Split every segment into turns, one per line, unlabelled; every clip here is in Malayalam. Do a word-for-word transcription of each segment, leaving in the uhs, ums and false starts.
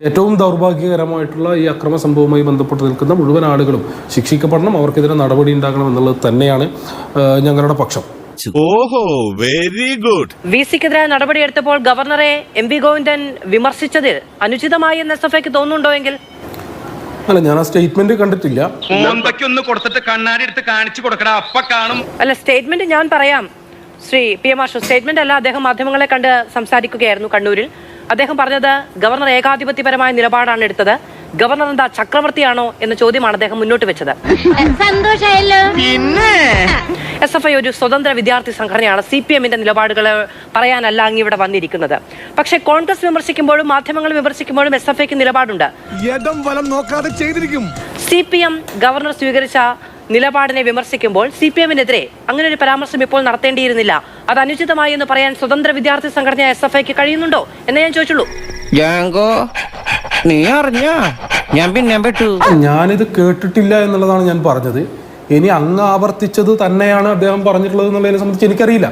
ഏറ്റവും ദൗർഭാഗ്യകരമായിട്ടുള്ള ഈ അക്രമ സംഭവവുമായി ബന്ധപ്പെട്ട് നിൽക്കുന്ന മുഴുവൻ ആളുകളും ശിക്ഷിക്കപ്പെടണം, അവർക്കെതിരെ നടപടി ഉണ്ടാകണം എന്നുള്ളത് തന്നെയാണ് ഞങ്ങളുടെ പക്ഷം.
ഓഹോ, വെരി ഗുഡ്.
വി സിക്കെതിരെ നടപടിയെടുത്തപ്പോൾ ഗവർണറെ എം വി ഗോവിന്ദൻ വിമർശിച്ചത് അനുചിതമായി എന്ന് എസ് എഫ് ഐക്ക് തോന്നുന്നുണ്ടോ എങ്കിൽ?
അല്ല, ഞാൻ ആ സ്റ്റേറ്റ്മെന്റ് കണ്ടിട്ടില്ല.
അല്ല, സ്റ്റേറ്റ്മെന്റ് ഞാൻ പറയാം Shri P M Arsho. Statement അല്ല, അദ്ദേഹം മാധ്യമങ്ങളെ കണ്ട് സംസാരിക്കുകയായിരുന്നു കണ്ണൂരിൽ. അദ്ദേഹം പറഞ്ഞത് ഗവർണർ ഏകാധിപത്യപരമായ നിലപാടാണ് എടുത്തത്, ഗവർണർ എന്താ ചക്രവർത്തിയാണോ എന്ന ചോദ്യമാണ് അദ്ദേഹം മുന്നോട്ട് വെച്ചത്. എസ് എഫ് ഐ ഒരു സ്വതന്ത്ര വിദ്യാർത്ഥി സംഘടനയാണ്. സി പി എമ്മിന്റെ നിലപാടുകൾ പറയാനല്ല അങ്ങ് ഇവിടെ വന്നിരിക്കുന്നത്. പക്ഷേ കോൺഗ്രസ് വിമർശിക്കുമ്പോഴും മാധ്യമങ്ങൾ വിമർശിക്കുമ്പോഴും എസ് എഫ് ഐക്ക് നിലപാടുണ്ട്. സി പി എം ഗവർണർ സ്വീകരിച്ച നിലപാടിനെ വിമർശിക്കുമ്പോൾ സി പി എമ്മിനെതിരെ അങ്ങനെ ഒരു പരാമർശം ഇപ്പോൾ നടത്തേണ്ടിയിരുന്നില്ല, അത് അനുചിതമായി എന്ന് പറയാൻ സ്വതന്ത്ര വിദ്യാർത്ഥി സംഘടന എസ് എഫ് ഐക്ക് കഴിയുന്നുണ്ടോ എന്ന് ഞാൻ ചോദിച്ചുള്ളൂ.
നീ അറിഞ്ഞ ഞാൻ പിന്നെ പെട്ടു.
ഞാനിത് കേട്ടിട്ടില്ല എന്നുള്ളതാണ് ഞാൻ പറഞ്ഞത്. ഇനി അങ്ങ് ആവർത്തിച്ചത് തന്നെയാണ് അദ്ദേഹം പറഞ്ഞിട്ടുള്ളത് എന്നുള്ളതിനെ സംബന്ധിച്ച് എനിക്കറിയില്ല.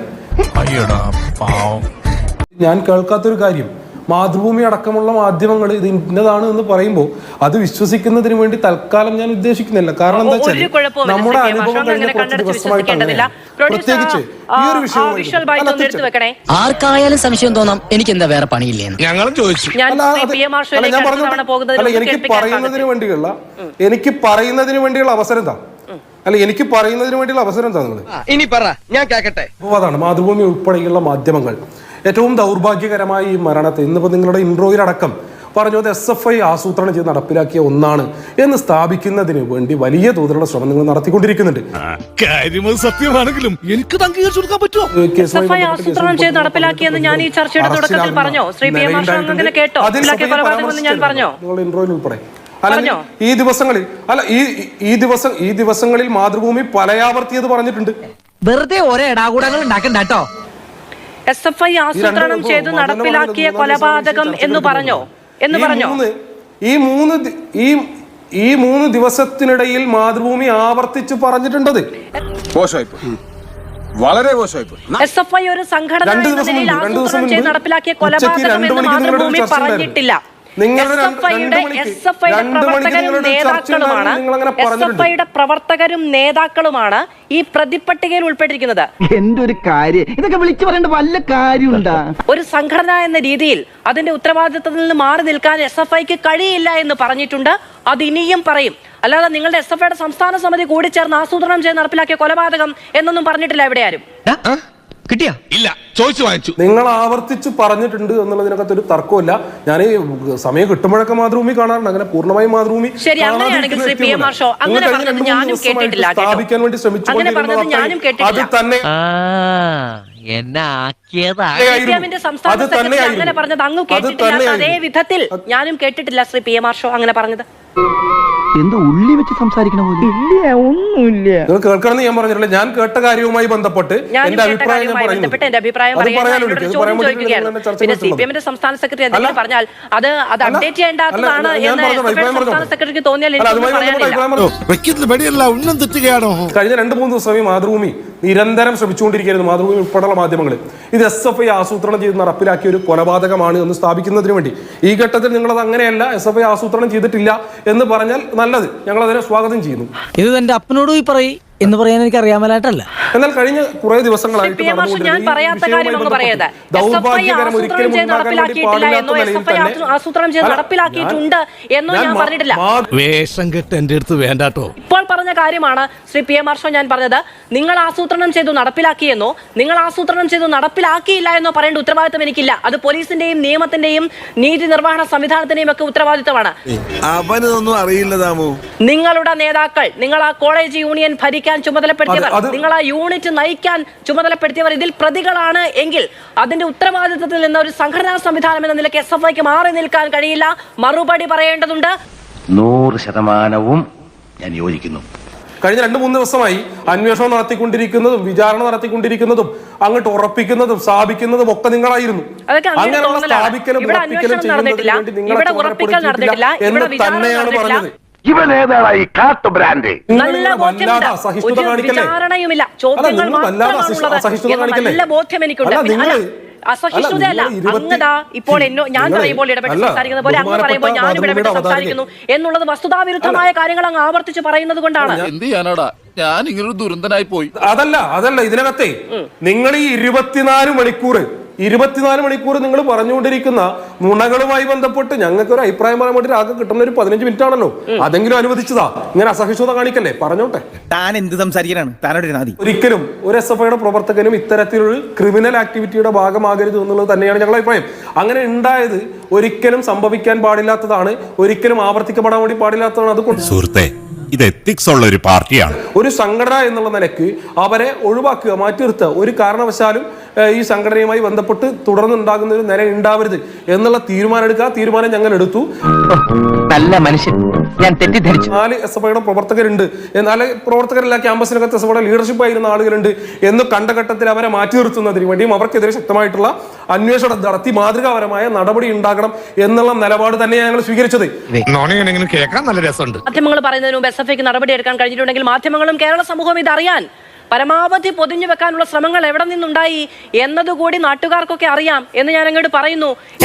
ഞാൻ കേൾക്കാത്തൊരു കാര്യം, മാതൃഭൂമി അടക്കമുള്ള മാധ്യമങ്ങൾ ഇത് ഇന്നതാണ് എന്ന് പറയുമ്പോൾ അത് വിശ്വസിക്കുന്നതിന് വേണ്ടി തൽക്കാലം ഞാൻ ഉദ്ദേശിക്കുന്നില്ല. കാരണം എന്താ വെച്ചാൽ നമ്മുടെ അനുഭവം കഴിഞ്ഞ കുറച്ച് ദിവസമായിട്ടാണ്, പ്രത്യേകിച്ച് ഈ ഒരു വിഷയം
ആർക്കായാലും സംശയം തോന്നാം. എനിക്ക് എന്താ വേറെ പണിയില്ലേ
ഞങ്ങളും ചോദിച്ചു.
ഞാൻ പറഞ്ഞു, അല്ല എനിക്ക് പറയുന്നതിന് വേണ്ടിയുള്ള എനിക്ക് പറയുന്നതിന് വേണ്ടിയുള്ള അവസരം താ അല്ല എനിക്ക് പറയുന്നതിന് വേണ്ടിയുള്ള അവസരം എന്താ നിങ്ങൾ
ഇനി പറ, ഞാൻ കേക്കട്ടെ.
അതാണ് മാതൃഭൂമി ഉൾപ്പെടെയുള്ള മാധ്യമങ്ങൾ ഏറ്റവും ദൗർഭാഗ്യകരമായ ഈ മരണത്തെ ഇന്നിപ്പോ നിങ്ങളുടെ ഇൻട്രോയിലടക്കം പറഞ്ഞത് എസ് എഫ് ഐ ആസൂത്രണം ചെയ്ത് നടപ്പിലാക്കിയ ഒന്നാണ് എന്ന് സ്ഥാപിക്കുന്നതിന് വേണ്ടി വലിയ തോതിലുള്ള ശ്രമം നിങ്ങൾ നടത്തിക്കൊണ്ടിരിക്കുന്നുണ്ട്.
സത്യമാണെങ്കിലും എനിക്ക്
ആസൂത്രണം ചെയ്ത് നടപ്പിലാക്കിയെന്ന് ഞാൻ ഈ ചർച്ചയുടെ തുടക്കത്തിൽ പറഞ്ഞോ? ശ്രീ പി എം അങ്ങനെ കേട്ടോ? ഞാൻ പറഞ്ഞോ
നിങ്ങളുടെ ഇൻട്രോയിൽ ഉൾപ്പെടെ? അല്ലെങ്കിൽ ഈ ദിവസങ്ങളിൽ അല്ല ഈ ഈ ദിവസം ഈ ദിവസങ്ങളിൽ മാതൃഭൂമി പലയാവർത്തിയത് പറഞ്ഞിട്ടുണ്ട്.
വെറുതെ ഓരോ ഇടാകൂടങ്ങൾ ഉണ്ടാക്കണ്ടോ?
എസ് എഫ് ഐ ആസൂത്രണം ചെയ്ത് നടപ്പിലാക്കിയ കൊലപാതകം എന്ന് പറഞ്ഞോ എന്ന് പറഞ്ഞോ
ഈ മൂന്ന് ഈ ഈ മൂന്ന് ദിവസത്തിനിടയിൽ മാതൃഭൂമി ആവർത്തിച്ച് പറഞ്ഞിട്ടുണ്ടത്.
വളരെ മോശമായിപ്പോയി.
എസ് എഫ് ഐ ഒരു സംഘടന എന്ന നിലയിൽ ആസൂത്രണം ചെയ്ത് നടപ്പിലാക്കിയ കൊലപാതകം എന്ന് മാതൃഭൂമി പറഞ്ഞിട്ടില്ല. പ്രവർത്തകരും നേതാക്കളുമാണ് ഈ പ്രതിപ്പട്ടികയിൽ ഉൾപ്പെട്ടിരിക്കുന്നത്.
എന്തൊരു കാര്യം ഇതൊക്കെ വിളിച്ചു പറയേണ്ട വല്ല കാര്യമുണ്ടാ?
ഒരു സംഘടന എന്ന രീതിയിൽ അതിന്റെ ഉത്തരവാദിത്തത്തിൽ നിന്ന് മാറി നിൽക്കാൻ എസ് എഫ് ഐക്ക് കഴിയില്ല എന്ന് പറഞ്ഞിട്ടുണ്ട്. അത് ഇനിയും പറയും. അല്ലാതെ നിങ്ങളുടെ എസ് എഫ് ഐയുടെ സംസ്ഥാന സമിതി കൂടി ചേർന്ന് ആസൂത്രണം ചെയ്ത് നടപ്പിലാക്കിയ കൊലപാതകം എന്നൊന്നും പറഞ്ഞിട്ടില്ല ഇവിടെ ആരും.
കിട്ടിയാ ഇല്ല, ചോദിച്ചു വാങ്ങിച്ചു.
നിങ്ങൾ ആവർത്തിച്ച് പറഞ്ഞിട്ടുണ്ട് എന്നുള്ളതിനകത്ത് ഒരു തർക്കമില്ല. ഞാൻ ഈ സമയം കിട്ടുമ്പോഴൊക്കെ മാതൃഭൂമി കാണാറുണ്ട്. അങ്ങനെ പൂർണ്ണമായും മാതൃഭൂമി സ്ഥാപിക്കാൻ വേണ്ടി ശ്രമിച്ചുകൊണ്ടിരുന്നത് അത് തന്നെ
അത് തന്നെ അതേ വിധത്തിൽ ഞാനും കേട്ടിട്ടില്ല Shri P M Arsho അങ്ങനെ പറഞ്ഞത്.
എന്തോ ഉള്ളി വെച്ച് സംസാരിക്കണ പോലെ. ഇല്ല, ഒന്നുമില്ല.
നിങ്ങൾ കേൾക്കണമെന്ന് ഞാൻ പറഞ്ഞിട്ടില്ല. ഞാൻ കേട്ട കാര്യവുമായി ബന്ധപ്പെട്ട് എന്റെ അഭിപ്രായം ഞാൻ പറയുന്നു.
പിന്നെ സി പി എമ്മിന്റെ സംസ്ഥാന സെക്രട്ടറി എന്തെങ്കിലും പറഞ്ഞാൽ അത് അത് അപ്ഡേറ്റ് ചെയ്യേണ്ടതാണ് എന്ന് സംസ്ഥാന സെക്രട്ടറിക്ക് തോന്നിയാൽ
കഴിഞ്ഞ രണ്ട് മൂന്ന് ദിവസമായി മാതൃഭൂമി നിരന്തരം ശ്രമിച്ചുകൊണ്ടിരിക്കുന്നത്, മാതൃഭൂമി ഉൾപ്പെടെയുള്ള മാധ്യമങ്ങൾ, ഇത് എസ് എഫ് ഐ ആസൂത്രണം ചെയ്ത് നടപ്പിലാക്കിയ ഒരു കൊലപാതകമാണ് എന്ന് സ്ഥാപിക്കുന്നതിന് വേണ്ടി. ഈ ഘട്ടത്തിൽ നിങ്ങളത് അങ്ങനെയല്ല, എസ് എഫ് ഐ ആസൂത്രണം ചെയ്തിട്ടില്ല എന്ന് പറഞ്ഞാൽ നല്ലത്, ഞങ്ങൾ അതിനെ സ്വാഗതം ചെയ്യുന്നു.
ഇത് എന്റെ അപ്പനോട് പോയി പറയും എന്ന് പറയാൻ എനിക്ക് അറിയാമലായിട്ടല്ല.
എന്നാൽ കഴിഞ്ഞ കുറെ ദിവസങ്ങളായിട്ട് ദൗർഭാഗ്യകരം ഒരിക്കലും
വേഷം കെട്ട് എന്റെ അടുത്ത് വേണ്ടാട്ടോ.
ഇപ്പോൾ പറഞ്ഞ കാര്യമാണ് Shri P M Arsho ഞാൻ പറഞ്ഞത്. നിങ്ങൾ ആസൂത്രണം ചെയ്തു നടപ്പിലാക്കിയെന്നോ നിങ്ങൾ ആസൂത്രണം ചെയ്തു നടപ്പിലാക്കിയില്ല എന്നോ പറയേണ്ട ഉത്തരവാദിത്തം എനിക്കില്ല. അത് പോലീസിന്റെയും നിയമത്തിന്റെയും നീതി നിർവഹണ സംവിധാനത്തിന്റെയും ഒക്കെ ഉത്തരവാദിത്തമാണ്.
അവനൊന്നും അറിയില്ല താമോ.
നിങ്ങളുടെ നേതാക്കൾ, നിങ്ങൾ ആ കോളേജ് യൂണിയൻ ഭരിക്കാൻ ചുമതലപ്പെടുത്തിയവർ, നിങ്ങൾ ആ യൂണിറ്റ് നയിക്കാൻ ചുമതലപ്പെടുത്തിയവർ ഇതിൽ പ്രതികളാണ് എങ്കിൽ അതിന്റെ ഉത്തരവാദിത്തത്തിൽ നിന്ന് ഒരു സംഘടനാ സംവിധാനം എന്ന നിലയ്ക്ക് എസ് എഫ് ഐക്ക് മാറി നിൽക്കാൻ കഴിയില്ല. മറുപടി പറയേണ്ടതുണ്ട്.
നൂറ് ശതമാനവും ഞാൻ യോജിക്കുന്നു.
കഴിഞ്ഞ രണ്ട് മൂന്ന് ദിവസമായി അന്വേഷണം നടത്തിക്കൊണ്ടിരിക്കുന്നതും വിചാരണ നടത്തിക്കൊണ്ടിരിക്കുന്നതും അങ്ങോട്ട് ഉറപ്പിക്കുന്നതും സ്ഥാപിക്കുന്നതും ഒക്കെ നിങ്ങളായിരുന്നു. അങ്ങനെയുള്ള സ്ഥാപിക്കലും ഉറപ്പിക്കലും ചെയ്യുന്നതിന് വേണ്ടി നിങ്ങളെ ചുമതലപ്പെടുത്തിയിട്ടില്ല എന്ന് തന്നെയാണ് പറഞ്ഞത്.
ഇവനേതായി കാട്ടു ബ്രാൻഡ്.
നല്ല ബോധ്യമുണ്ട്, വിചാരണയുമില്ല, ചോദ്യങ്ങൾ മാത്രമാണുള്ളത്. നല്ല ബോധ്യം എനിക്കുണ്ട്. അസഹിഷ്ണുതയല്ല.
നിങ്ങൾ ഇരുപത്തി-
അങ്ങതാ ഇപ്പോൾ എന്നോ ഞാൻ
നിങ്ങളെ-
പറയുമ്പോൾ ഇടപെട്ട്
അല്ല,
സംസാരിക്കുന്ന പോലെ അങ്ങ്
ബഹുമാനപ്പെട്ട
പറയുമ്പോൾ ഞാനും ഇടപെട്ട്
മാതൃഭൂമിയുടെ
സംസാരിക്കുന്നു എന്നുള്ളത് വസ്തുതാവിരുദ്ധമായ കാര്യങ്ങൾ അങ്ങ് ആവർത്തിച്ച് പറയുന്നത് കൊണ്ടാണ്.
എന്ത് ചെയ്യാനാടാ, ഞാൻ ഇങ്ങനൊരു ദുരന്തനായി പോയി.
അതല്ല അതല്ല ഇതിനകത്തെ നിങ്ങൾ ഈ ഇരുപത്തിനാല് മണിക്കൂർ ഇരുപത്തിനാല് മണിക്കൂർ നിങ്ങൾ പറഞ്ഞുകൊണ്ടിരിക്കുന്ന നുണകളുമായി ബന്ധപ്പെട്ട് ഞങ്ങൾക്ക് ഒരു അഭിപ്രായം പറയാൻ വേണ്ടി ആകെ കിട്ടുന്ന ഒരു പതിനഞ്ച് മിനിറ്റ് ആണല്ലോ. അതെങ്കിലും അനുവദിച്ചതാ. ഇങ്ങനെ അസഹിഷ്ണുത കാണിക്കല്ലേ, പറഞ്ഞോട്ടെ.
താൻ എന്ത് സംസാരിക്കാനാണ്? താനോട് നാദി
ഒരിക്കലും ഒരു എസ് എഫ് ഐയുടെ പ്രവർത്തകനും ഇത്തരത്തിലൊരു ക്രിമിനൽ ആക്ടിവിറ്റിയുടെ ഭാഗമാകരുത് എന്നുള്ളത് തന്നെയാണ് ഞങ്ങളുടെ അഭിപ്രായം. അങ്ങനെ ഉണ്ടായത് ഒരിക്കലും സംഭവിക്കാൻ പാടില്ലാത്തതാണ്, ഒരിക്കലും ആവർത്തിക്കപ്പെടാൻ വേണ്ടി പാടില്ലാത്തതാണ്. അത്
സുഹൃത്തെ, ഇത് എത്തിക്സ് ഉള്ള ഒരു പാർട്ടിയാണ്.
ഒരു സംഘടന എന്നുള്ള നിലയ്ക്ക് അവരെ ഒഴിവാക്കുക, മാറ്റി നിർത്തുക. ഒരു കാരണവശാലും ഈ സംഘടനയുമായി ബന്ധപ്പെട്ട് തുടർന്നുണ്ടാകുന്ന ഒരു നില ഉണ്ടാവരുത് എന്നുള്ള തീരുമാനം എടുക്കുക. തീരുമാനം ഞങ്ങൾ എടുത്തു.
നല്ല മനുഷ്യൻ, ഞാൻ തെറ്റിദ്ധരിച്ചു.
നാല് എസ് എഫ് ഐയുടെ പ്രവർത്തകരുണ്ട്, നാല് പ്രവർത്തകരല്ല ക്യാമ്പസിനകത്ത് എസ് എഫ് ഐയുടെ ലീഡർഷിപ്പ് ആയിരുന്ന ആളുകളുണ്ട് എന്ന് കണ്ട ഘട്ടത്തിൽ അവരെ മാറ്റി നിർത്തുന്നതിന് വേണ്ടിയും അവർക്കെതിരെ ശക്തമായിട്ടുള്ള അന്വേഷണം നടത്തി മാതൃകാപരമായ നടപടി ഉണ്ടാകണം എന്നുള്ള നിലപാട് തന്നെയാണ് ഞങ്ങൾ സ്വീകരിച്ചത്.
കേൾക്കാൻ നല്ല രസമുണ്ട്.
മാധ്യമങ്ങൾ പറയുന്നതിന് മുമ്പ് എസ് എഫ് ഐക്ക് നടപടി എടുക്കാൻ കഴിഞ്ഞിട്ടുണ്ടെങ്കിൽ മാധ്യമങ്ങളും കേരള സമൂഹവും ഇതറിയാൻ പരമാവധി പൊതിഞ്ഞു വെക്കാനുള്ള ശ്രമങ്ങൾ എവിടെ നിന്നുണ്ടായി എന്നതുകൂടി നാട്ടുകാർക്കൊക്കെ അറിയാം എന്ന് ഞാൻ അങ്ങോട്ട് പറയുന്നു.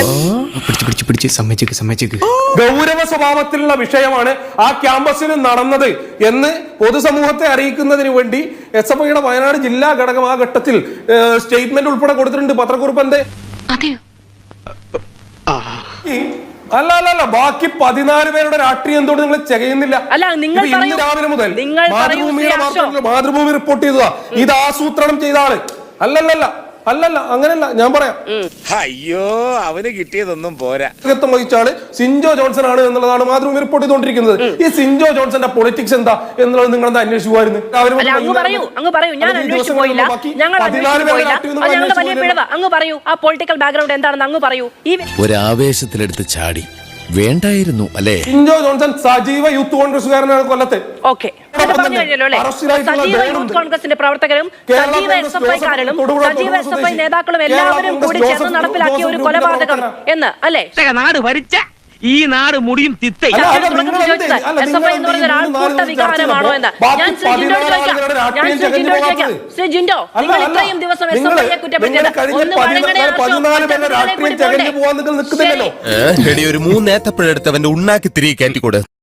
ഗൗരവ സ്വഭാവത്തിലുള്ള വിഷയമാണ് ആ ക്യാമ്പസിൽ നടന്നത് എന്ന് പൊതുസമൂഹത്തെ അറിയിക്കുന്നതിന് വേണ്ടി എസ് എഫ് ഐയുടെ വയനാട് ജില്ലാ ഘടകം ആ ഘട്ടത്തിൽ സ്റ്റേറ്റ്മെന്റ് ഉൾപ്പെടെ കൊടുത്തിട്ടുണ്ട്. പത്രക്കുറിപ്പ് എന്തേ? അല്ല അല്ല അല്ല ബാക്കി പതിനാല് പേരുടെ രാഷ്ട്രീയം എന്തുകൊണ്ട് നിങ്ങൾ ചെയ്യുന്നില്ല?
അല്ല, നിങ്ങൾ
ഇന്ന്
പറയൂ.
രാവിലെ മുതൽ
നിങ്ങൾ
മാതൃഭൂമിയുടെ
പറയൂ,
വാർത്തകളിൽ മാതൃഭൂമി റിപ്പോർട്ട് ചെയ്തതാ ഇത് ആസൂത്രണം ചെയ്ത ആള്. അല്ലല്ലല്ല അല്ലല്ല അങ്ങനെയല്ല, ഞാൻ പറയാം.
അയ്യോ, അവന് കിട്ടിയതൊന്നും പോരാ.
നേതൃത്വം വഹിച്ചാല് സിൻജോ ജോൺസൺ ആണ് എന്നുള്ളതാണ് മാതൃഭൂമി റിപ്പോർട്ട് ചെയ്തുകൊണ്ടിരിക്കുന്നത്. ഈ സിൻജോ ജോൺസന്റെ പൊളിറ്റിക്സ് എന്താ എന്നുള്ളത് നിങ്ങൾ എന്താ അന്വേഷിക്കുമായിരുന്നു?
അല്ല, അങ്ങ് പറയൂ അങ്ങ് പറയൂ ഞാൻ അന്വേഷിച്ചു പോയില്ല, ഞങ്ങൾ അന്വേഷിച്ചു പോയില്ല. അത് ഞങ്ങളുടെ വലിയ പിഴവ്. അങ്ങ് പറയൂ ആ പൊളിറ്റിക്കൽ ബാക്ക്ഗ്രൗണ്ട് എന്താണെന്ന് അങ്ങ് പറയൂ. ഈ
ഒരാവേശത്തിലെടുത്ത് ചാടി വേണ്ടായിരുന്നു അല്ലേ?
സിൻജോ ജോൺസൺ സജീവ യൂത്ത് കോൺഗ്രസ്സുകാരനാണ് കൊല്ലത്ത്.
ഓക്കെ, പറഞ്ഞു കഴിഞ്ഞല്ലോ അല്ലേ? സജീവ യൂത്ത് കോൺഗ്രസിന്റെ പ്രവർത്തകരും സജീവ എസ് എഫ് ഐക്കാരും സജീവ എസ് എഫ് ഐ നേതാക്കളും എല്ലാവരും കൂടി ചേർന്ന് നടപ്പിലാക്കിയ ഒരു കൊലപാതകം എന്ന് അല്ലേ?
നാട് ഭരിച്ച ഈ നാട് മുടിയും തിത്തേ.
എസ് എഫ് ഐ എന്ന് പറയുന്ന ഒരാൾക്കൂട്ട വികാരമാണോ എന്ന് ഞാൻ ശ്രീ ജിൻഡോട് ചോദിക്കാം. ഞാൻ ശ്രീ ജിൻഡോട് ചോദിക്കാം. ശ്രീ ജിൻഡോ, നിങ്ങൾ ഇത്രയും ദിവസം എസ് എഫ് ഐയെ കുറ്റപ്പെടുത്തിയത് ഒന്ന് വഴങ്ങണേ
ഒരു മൂന്നേത്തപ്പഴെടുത്ത് അവന്റെ ഉണ്ണാക്കി തിരികെ കയറ്റിക്കൂടെ?